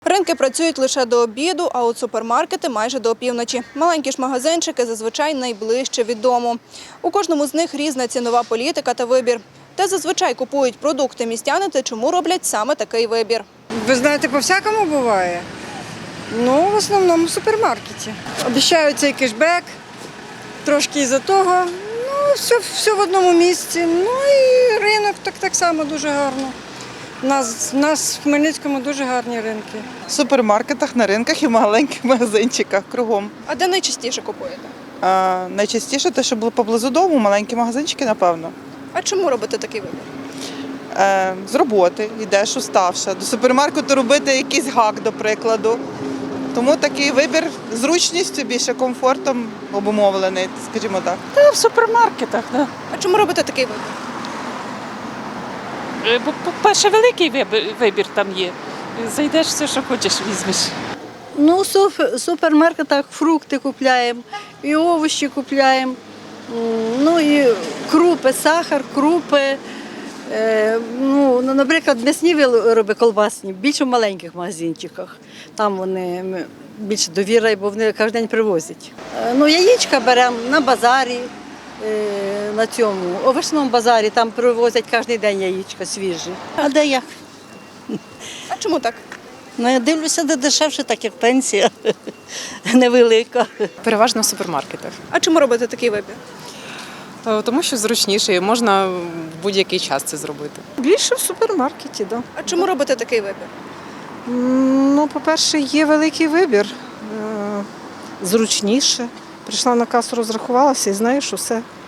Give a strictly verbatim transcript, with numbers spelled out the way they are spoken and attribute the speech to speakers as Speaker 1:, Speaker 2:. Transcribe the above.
Speaker 1: Ринки працюють лише до обіду, а от супермаркети – майже до опівночі. Маленькі ж магазинчики зазвичай найближче від дому. У кожному з них різна цінова політика та вибір. Де зазвичай купують продукти містяни та чому роблять саме такий вибір.
Speaker 2: Ви знаєте, по-всякому буває. Ну, в основному в супермаркеті. Обіцяють цей кешбек, трошки із-за того. Ну, все, все в одному місці. Ну і ринок так, так само дуже гарно. У нас, у нас в Хмельницькому дуже гарні ринки.
Speaker 3: В супермаркетах, на ринках і в маленьких магазинчиках кругом.
Speaker 1: А де найчастіше купуєте?
Speaker 3: А, найчастіше те, що було поблизу дому, маленькі магазинчики, напевно.
Speaker 1: А чому робите такий вибір?
Speaker 3: Е, з роботи йдеш уставша. До супермаркету робити якийсь гак, до прикладу. Тому такий вибір зручністю, більше комфортом обумовлений, скажімо так.
Speaker 4: Та в супермаркетах, да.
Speaker 1: А чому робите такий вибір?
Speaker 4: Е, Бо, по-перше, великий вибір, вибір там є. Зайдеш, все, що хочеш, візьмеш.
Speaker 5: Ну, в суф- супермаркетах фрукти купляємо, і овочі купляємо, м, ну і крупи, сахар, крупи. Е, ну, ну, наприклад, м'ясні вироби колбасні, більше в маленьких магазинчиках. Там вони м, більше довіра, бо вони кожен день привозять. Е, ну, яєчка беремо на базарі, е, на цьому, овочному базарі, там привозять кожен день яєчка свіжі. А де як?
Speaker 1: А чому так?
Speaker 5: Ну, я дивлюся, де дешевше, так як пенсія невелика.
Speaker 6: Переважно в супермаркетах.
Speaker 1: А чому робите такий вибір?
Speaker 6: Е, Тому що зручніше і можна в будь-який час це зробити.
Speaker 7: Більше в супермаркеті, так.
Speaker 1: А чому робите такий вибір?
Speaker 7: Да. Ну, по-перше, є великий вибір. Е, Зручніше. Прийшла на касу, розрахувалася і знаєш, що все